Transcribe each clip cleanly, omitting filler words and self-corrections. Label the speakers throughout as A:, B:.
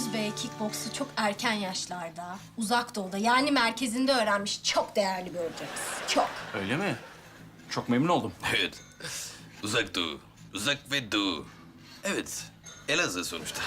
A: Gündüz Bey kickboksu çok erken yaşlarda, uzak doğuda yani merkezinde öğrenmiş çok değerli bir hocamız. Çok.
B: Öyle mi? Çok memnun oldum.
C: Evet. Uzak doğu. Uzak ve doğu. Evet. Elazığ sonuçta.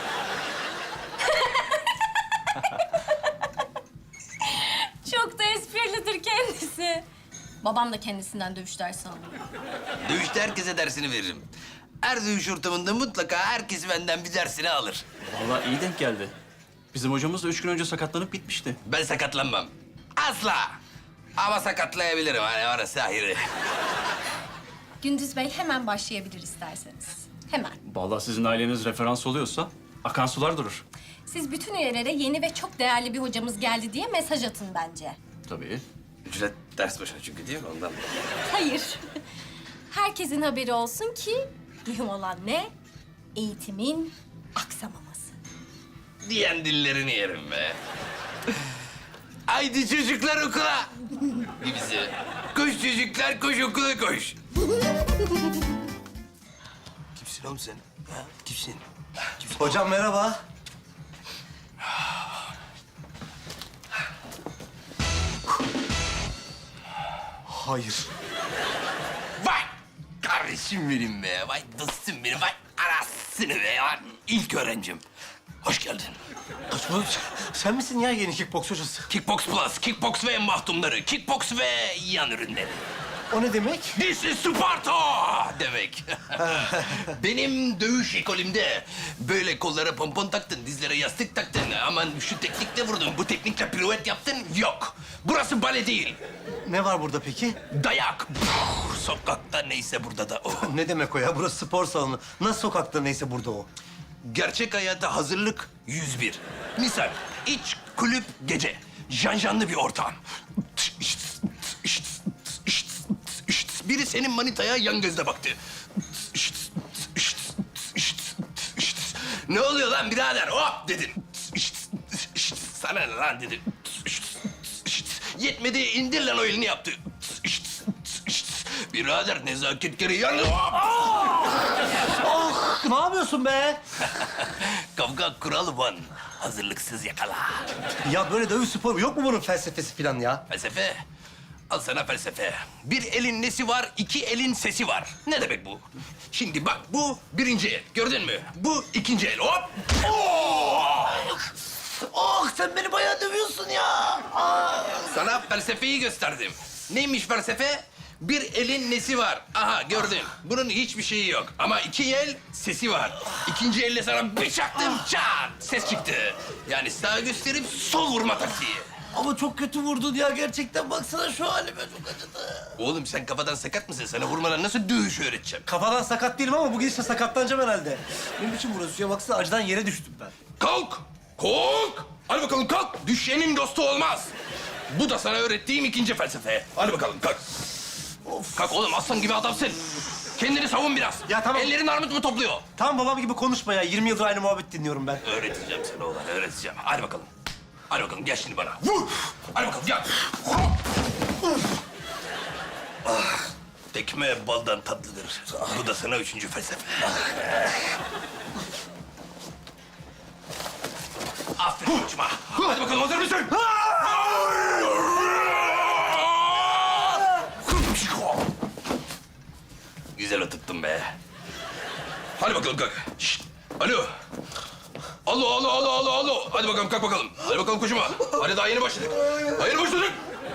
A: Çok da esprilidir kendisi. Babam da kendisinden dövüş dersi alıyor.
C: Dövüşte herkese dersini veririm. Her dövüş ortamında mutlaka herkes benden bir dersini alır.
B: Vallahi iyi denk geldi. Bizim hocamız da 3 gün önce sakatlanıp bitmişti.
C: Ben sakatlanmam. Asla. Ama sakatlayabilirim. Hani orası ayrı.
A: Gündüz Bey hemen başlayabilir isterseniz. Hemen.
B: Vallahi sizin aileniz referans oluyorsa akan sular durur.
A: Siz bütün üyelere yeni ve çok değerli bir hocamız geldi diye mesaj atın bence.
B: Tabii.
C: Ücret ders başına çünkü değil mi ondan?
A: Hayır. Herkesin haberi olsun ki mühim olan ne? Eğitimin aksamaması.
C: Diyen dillerini yerim be. Haydi çocuklar okula. Gibisi. Koş çocuklar, koş okula koş. Kimsin oğlum sen? Ha? Kimsin?
D: Hocam merhaba. Hayır.
C: Vay kardeşim benim be. Vay dostum benim. Vay anasını be. Lan ilk öğrencim. Hoş geldin.
D: Kaçmadım. Sen misin ya yeni kickboks hocası?
C: Kickbox Plus, Kickbox ve mahtumları, Kickbox ve yan ürünleri.
D: O ne demek?
C: This is Sparta demek. Benim dövüş ekolümde böyle kollara pompon taktın, dizlere yastık taktın. Aman şu teknikle vurdun, bu teknikle piruet yaptın. Yok. Burası bale değil.
D: Ne var burada peki?
C: Dayak. Sokakta neyse burada da o.
D: Ne demek o ya? Burası spor salonu. Nasıl sokakta neyse burada o.
C: Gerçek hayata hazırlık 101. Misal iç kulüp gece. Janjanlı bir ortam. Biri senin manitaya yan gözle baktı. Ne oluyor lan birader? Hop dedin. Sana ne lan dedim. Yetmedi indir lan o elini yaptı. Birader nezaket gereği yandı.
D: Ah, ne yapıyorsun be?
C: Kavga kuralı van. Hazırlıksız yakala.
D: Ya böyle dövüş sporu yok mu bunun felsefesi falan ya?
C: Felsefe. Al sana felsefe. Bir elin nesi var, iki elin sesi var. Ne demek bu? Şimdi bak bu birinci el. Gördün mü? Bu ikinci el. Hop! Oh!
D: Ah sen beni bayağı dövüyorsun ya.
C: Sana felsefeyi gösterdim. Neymiş felsefe? Bir elin nesi var? Aha gördün. Bunun hiçbir şeyi yok. Ama iki el sesi var. İkinci elle sana bir çaktım çat ses çıktı. Yani sağ gösterip sol vurma taktiği.
D: Ama çok kötü vurdun ya gerçekten. Baksana şu halime çok acıdı.
C: Oğlum sen kafadan sakat mısın? Sana vurmadan nasıl dövüş öğreteceğim?
D: Kafadan sakat değilim ama bu gidişle sakatlanacağım herhalde. Ne biçim burası ya? Baksana acıdan yere düştüm ben.
C: Kalk! Kalk! Hadi bakalım kalk. Düşenin dostu olmaz. Bu da sana öğrettiğim ikinci felsefe. Hadi bakalım kalk.
D: Of.
C: Kalk oğlum aslan gibi adamsın. Kendini savun biraz.
D: Ya tamam.
C: Ellerin armut mu topluyor?
D: Tam babam gibi konuşma ya. 20 yıldır aynı muhabbet dinliyorum ben.
C: Öğreteceğim sana oğlan, öğreteceğim. Hadi bakalım. Hadi bakalım gel şimdi bana. Vur! Hadi bakalım gel. Ah, tekme baldan tatlıdır. Bu da sana üçüncü felsefe. Aferin uçma. Hadi bakalım hazır mısın? Güzel oturttun be. Hadi bakalım kalk. Şişt. Alo. Alo, alo, alo, alo, alo. Hadi bakalım kalk bakalım. Hadi bakalım koşuma. Hadi daha yeni başladık. Daha yeni başladık.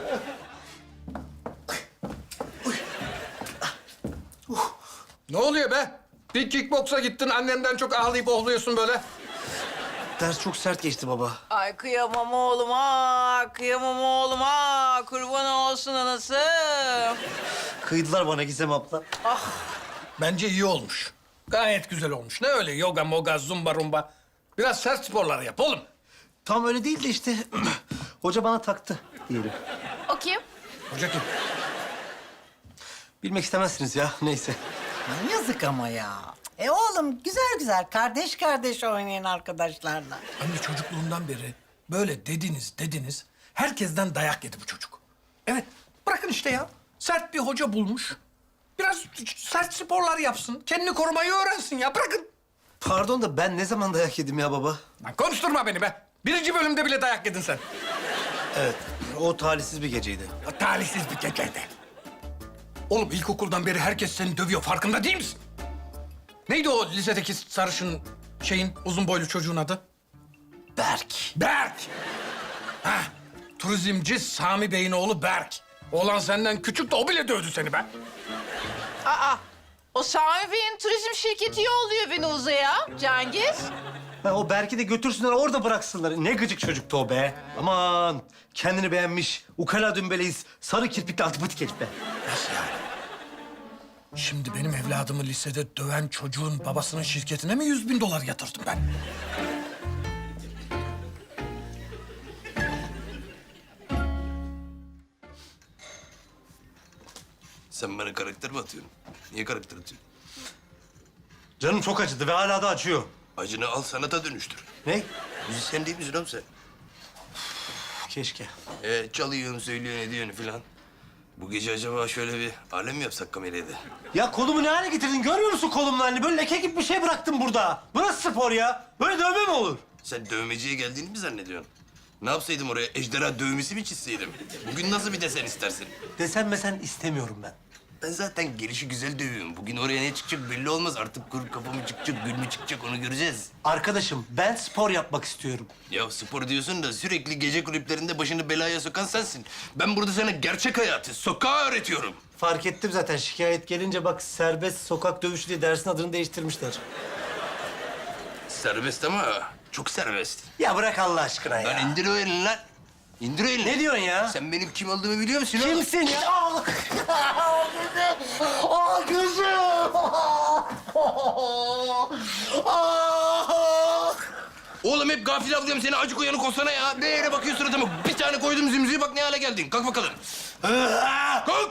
E: Ne oluyor be? Bir kickboksa gittin, annenden çok ağlayıp ohluyorsun böyle.
D: Ders çok sert geçti baba.
F: Ay kıyamam oğluma, kıyamam oğluma. Kurban olsun anası.
D: Kıydılar bana Gizem abla.
E: Bence iyi olmuş. Gayet güzel olmuş. Ne öyle yoga, moga, zumba, rumba. Biraz sert sporlar yap oğlum.
D: Tam öyle değil de işte hoca bana taktı diyelim.
A: O kim?
E: Hoca kim?
D: Bilmek istemezsiniz ya neyse.
F: Ay, yazık ama ya. Oğlum güzel güzel kardeş kardeş oynayın arkadaşlarla.
E: Anne çocukluğundan beri böyle dediniz. Herkesten dayak yedi bu çocuk. Evet, bırakın işte ya. Sert bir hoca bulmuş. Biraz sert sporlar yapsın. Kendini korumayı öğrensin ya. Bırakın.
D: Pardon da ben ne zaman dayak yedim ya baba?
E: Lan konuşturma beni be. 1. bölümde bile dayak yedin sen.
D: Evet, o talihsiz bir geceydi.
E: Talihsiz bir geceydi. Oğlum ilkokuldan beri herkes seni dövüyor. Farkında değil misin? Neydi o lisedeki sarışın uzun boylu çocuğun adı?
D: Berk.
E: Berk. Heh, turizmci Sami Bey'in oğlu Berk. Oğlan senden küçük de o bile dövdü seni be.
G: Aa, o Sami Bey'in turizm şirketi yolluyor beni uzaya, Cengiz.
D: Ha, o Berk'i de götürsünler, orada bıraksınlar. Ne gıcık çocuktu o be. Aman, kendini beğenmiş, ukala dümbeleyiz, sarı kirpikli antipatik herif be.
E: Nasıl yani? Şimdi benim evladımı lisede döven çocuğun babasının şirketine mi 100.000 dolar yatırdım ben?
C: Sen bana karakter mi atıyorsun? Niye karakter atıyorsun?
D: Canım çok acıdı ve hala da acıyor.
C: Acını al sanata dönüştür.
D: Ne?
C: Müzisyen değil misin oğlum sen?
D: Keşke.
C: Çalıyorsun, söylüyorsun, ediyorsun falan. Bu gece acaba şöyle bir alem mi yapsak kamerayı da?
D: Ya kolumu ne hale getirdin? Görmüyor musun kolumun halini? Böyle leke gibi bir şey bıraktım burada. Bu nasıl spor ya? Böyle dövme mi olur?
C: Sen dövmeciye geldiğini mi zannediyorsun? Ne yapsaydım oraya? Ejderha dövmesi mi çizseydim? Bugün nasıl bir desen istersin?
D: Desen mesen istemiyorum ben.
C: Ben zaten gelişi güzel dövüyorum. Bugün oraya ne çıkacak belli olmaz. Artık kuru kafa mı çıkacak, gül mü çıkacak onu göreceğiz.
D: Arkadaşım ben spor yapmak istiyorum.
C: Ya spor diyorsun da sürekli gece kulüplerinde başını belaya sokan sensin. Ben burada sana gerçek hayatı, sokağı öğretiyorum.
D: Fark ettim zaten şikayet gelince bak serbest sokak dövüşü diye dersin adını değiştirmişler.
C: Serbest ama çok serbest.
D: Ya bırak Allah aşkına ya.
C: Lan indir o elini lan. İndir o elini.
D: Ne diyorsun ya?
C: Sen benim kim olduğumu biliyor musun? oğlum?
D: Kimsin ya? Aa gözüm!
C: Oğlum hep gafil avlıyorum seni. Acık uyanık olsana ya. Ne yere bakıyorsun suratıma? Bir tane koydum zümzüğü bak ne hale geldin. Kalk bakalım. Kalk.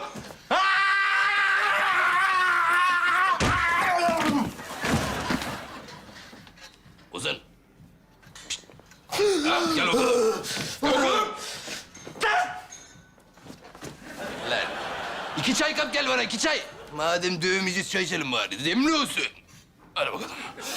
C: Ozan. Pişt. Ha, gel bakalım. Gel bakalım. Lan. 2 çay kap gel bana 2 çay. Madem dövmeyeceğiz çay içelim bari. Demli olsun. Hadi bakalım.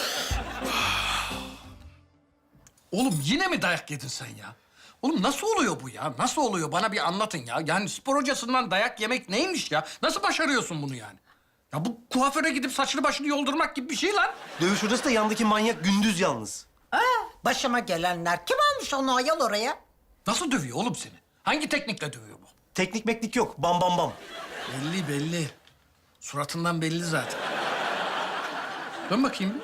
E: Oğlum yine mi dayak yedin sen ya? Oğlum nasıl oluyor bu ya? Nasıl oluyor? Bana bir anlatın ya. Yani spor hocasından dayak yemek neymiş ya? Nasıl başarıyorsun bunu yani? Ya bu kuaföre gidip saçını başını yoldurmak gibi bir şey lan.
D: Dövüş hocası da yandaki manyak Gündüz yalnız.
F: Başıma gelenler. Kim almış onu ayol oraya?
E: Nasıl dövüyor oğlum seni? Hangi teknikle dövüyor bu?
D: Teknik meknik yok. Bam bam bam.
E: Belli belli. Suratından belli zaten. Dön bakayım bir.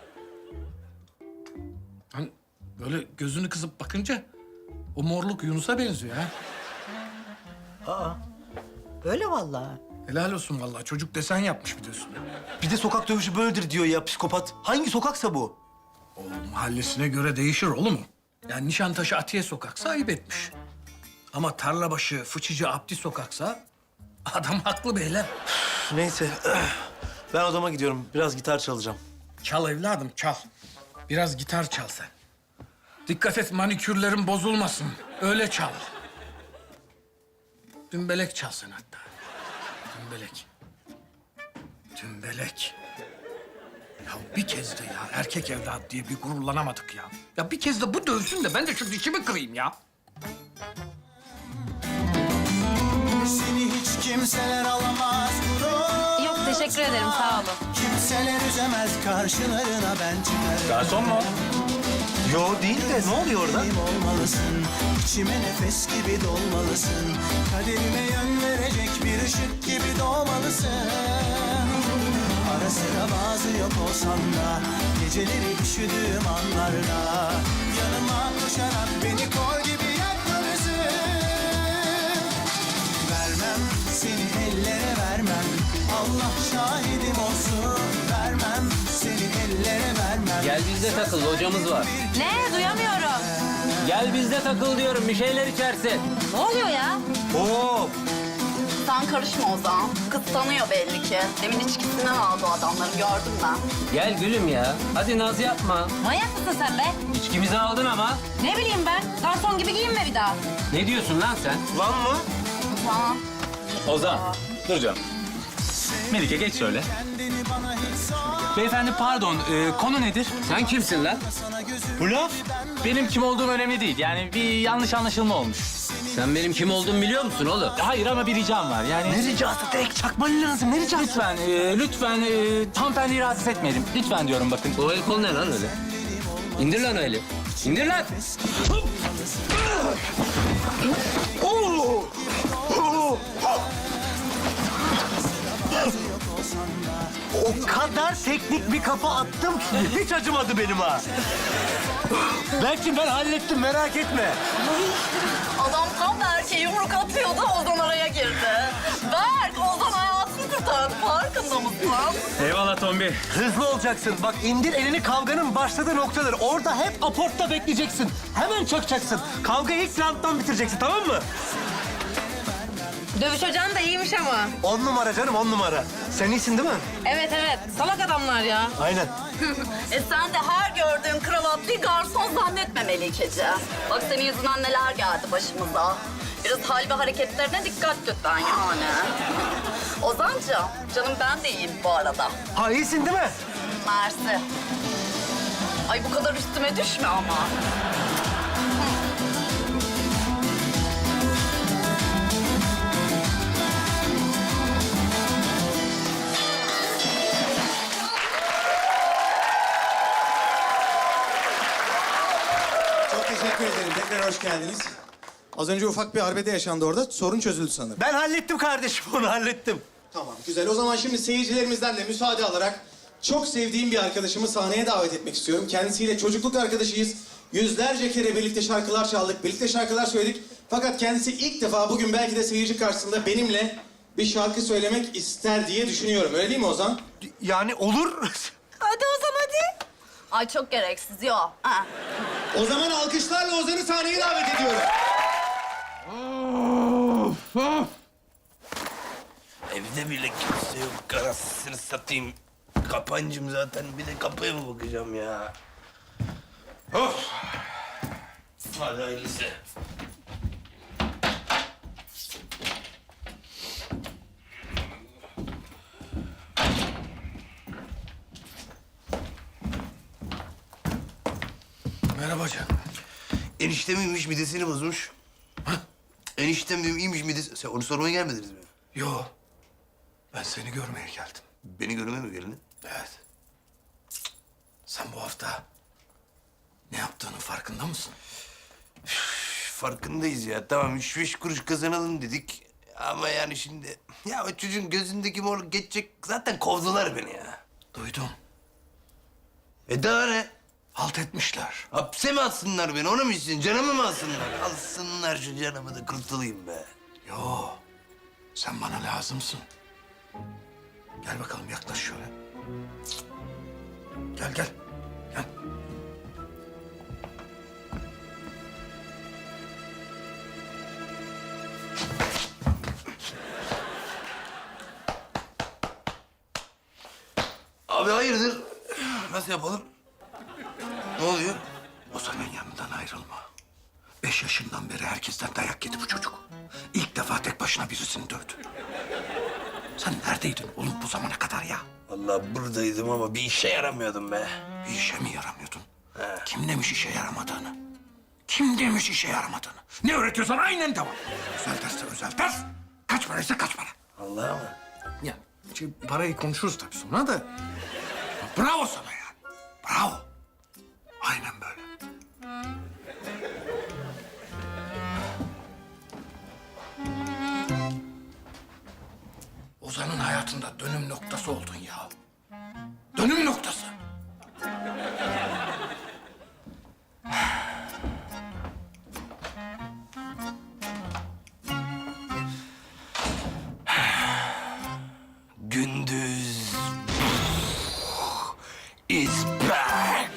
E: Hani böyle gözünü kısıp bakınca o morluk Yunus'a benziyor ha.
F: Öyle vallahi.
E: Helal olsun vallahi. Çocuk desen yapmış bir de üstüne.
D: Bir de sokak dövüşü böyledir diyor ya psikopat. Hangi sokaksa bu?
E: O mahallesine göre değişir oğlum. Yani Nişantaşı Atiye sokaksa ayıp etmiş. Ama Tarlabaşı, Fıçıcı, Abdi sokaksa adam haklı beyler.
D: Neyse. Ben odama gidiyorum. Biraz gitar çalacağım.
E: Çal evladım çal. Biraz gitar çal sen. Dikkat et manikürlerin bozulmasın. Öyle çal. Dümbelek çal sen hatta. Dümbelek. Dümbelek. Ya bir kez de ya erkek evlat diye bir gururlanamadık ya. Ya bir kez de bu dövsün de ben de şu dişimi kırayım ya.
H: Seni hiç kimseler alamaz gurur.
G: Yok, teşekkür ederim, sağ olun.
H: Kimseler üzemez karşılarına ben çıkarım.
D: Garson mu? Yo değil de ne oluyor orada?
H: Benim olmalısın, içime nefes gibi dolmalısın. Kaderime yön verecek bir ışık gibi doğmalısın. Ara sıra bazı yok olsam da, geceleri üşüdüğüm anlarda yanıma koşarak beni kor gibi yakmalısın. Vermem seni ellere vermem, Allah şahidim olsun. Vermem seni ellere vermem.
I: Gel bizde takıl, hocamız var.
G: Ne? Duyamıyorum.
I: Gel bizde takıl diyorum, bir şeyler içersin.
G: Ne oluyor ya?
D: Oo,
J: Sen karışma Ozan. Kız tanıyor belli ki. Demin içkisinden aldı o adamları gördüm ben.
I: Gel gülüm ya, hadi naz yapma.
G: Manyak mısın sen be?
I: İçkimizi aldın ama.
G: Ne bileyim ben? Garson gibi giyinme bir daha.
I: Ne diyorsun lan sen?
D: lan mı?
J: Tamam.
B: Ozan, dur canım. Melike geç şöyle.
H: Kendini bana hiç sor.
K: Beyefendi pardon, konu nedir?
I: Sen kimsin lan?
K: Bu laf? Benim kim olduğum önemli değil. Yani bir yanlış anlaşılma olmuş.
I: Sen benim kim olduğumu biliyor musun oğlum?
K: Hayır ama bir ricam var. Yani
D: Ne ricası? Direkt çakman lazım. Ne ricası?
K: lütfen hanımefendiyi rahatsız etmeyelim. Lütfen diyorum bakın.
I: O el kol ne lan öyle? İndir lan o eli. İndir lan.
D: O kadar teknik bir kafa attım ki hiç acımadı benim ha. Belki ben hallettim, merak etme.
J: Adam tam Berk'e yumruk atıyordu, Ozan araya girdi. Berk, Ozan hayatını kurtardı. Farkında mısın?
K: Eyvallah Tombi.
D: Hızlı olacaksın. Bak indir elini, kavganın başladığı noktadır. Orada hep aportta bekleyeceksin. Hemen çökeceksin. Kavgayı ilk rounddan bitireceksin, tamam mı?
G: Dövüş hocan da iyiymiş ama.
D: 10 numara canım, 10 numara. Sen iyisin değil mi?
G: Evet evet. Salak adamlar ya.
D: Aynen.
J: Sen de her gördüğün kravatlıyı garson zannetme Melikeci. Bak senin yüzünden neler geldi başımıza. Biraz hal ve hareketlerine dikkat lütfen yani. Ozancığım, canım ben de iyiyim bu arada.
D: Ha iyisin değil mi?
J: Mersi. Ay bu kadar üstüme düşme ama.
H: Çok teşekkür ederim. Tekrar hoş geldiniz. Az önce ufak bir arbede yaşandı orada. Sorun çözüldü sanırım.
D: Ben hallettim kardeşim, onu hallettim.
H: Tamam, güzel. O zaman şimdi seyircilerimizden de müsaade alarak çok sevdiğim bir arkadaşımı sahneye davet etmek istiyorum. Kendisiyle çocukluk arkadaşıyız. Yüzlerce kere birlikte şarkılar çaldık, birlikte şarkılar söyledik. Fakat kendisi ilk defa bugün belki de seyirci karşısında benimle bir şarkı söylemek ister diye düşünüyorum. Öyle değil mi Ozan?
D: Yani olur.
J: Hadi Ozan hadi. Ay çok gereksiz yok. Ha.
H: O zaman alkışlarla Ozan'ı sahneye davet ediyorum.
C: Evde bile kimse yok. Karasını satayım. Kapancım zaten. Bir de kapıya mı bakacağım ya? Of! Hadi hayırlısı.
E: Merhaba canım.
C: Eniştemiymiş, midesini bozmuş. Eniştem diyorum, iyiymiş midesi. Sen onu sormaya gelmediniz mi?
E: Yo. Ben seni görmeye geldim.
C: Beni görmeye mi geldin?
E: Evet. Sen bu hafta ne yaptığının farkında mısın?
C: Farkındayız ya. Tamam, 3-5 kuruş kazanalım dedik. Ama yani şimdi... Ya o çocuğun gözündeki mor geçecek... Zaten kovdular beni ya.
E: Duydum.
C: Daha ne?
E: Halt etmişler.
C: Hapse mi atsınlar beni? Onu mu istiyorsun? Canımı mı alsınlar? Alsınlar şu canımı da kurtulayım be.
E: Yo. Sen bana lazımsın. Gel bakalım yaklaş şöyle. Gel gel. Gel.
C: Abi hayırdır? Nasıl yapalım? Ne oluyor?
E: Ozan'ın yanından ayrılma. 5 yaşından beri herkesten dayak yedi bu çocuk. İlk defa tek başına birisini dövdü. Sen neredeydin oğlum bu zamana kadar ya?
C: Vallahi buradaydım ama bir işe yaramıyordum be.
E: Bir işe mi yaramıyordun? Kim demiş işe yaramadığını? Kim demiş işe yaramadığını? Ne öğretiyorsan aynen devam. Özel derse özel ders. Kaç paraysa kaç para.
C: Allah'a mı?
E: Ya parayı konuşuruz tabii sonra da. Bravo sana yani. Bravo. Aynen böyle. Ozan'ın hayatında dönüm noktası oldun ya. Dönüm noktası.
C: Gündüz is back.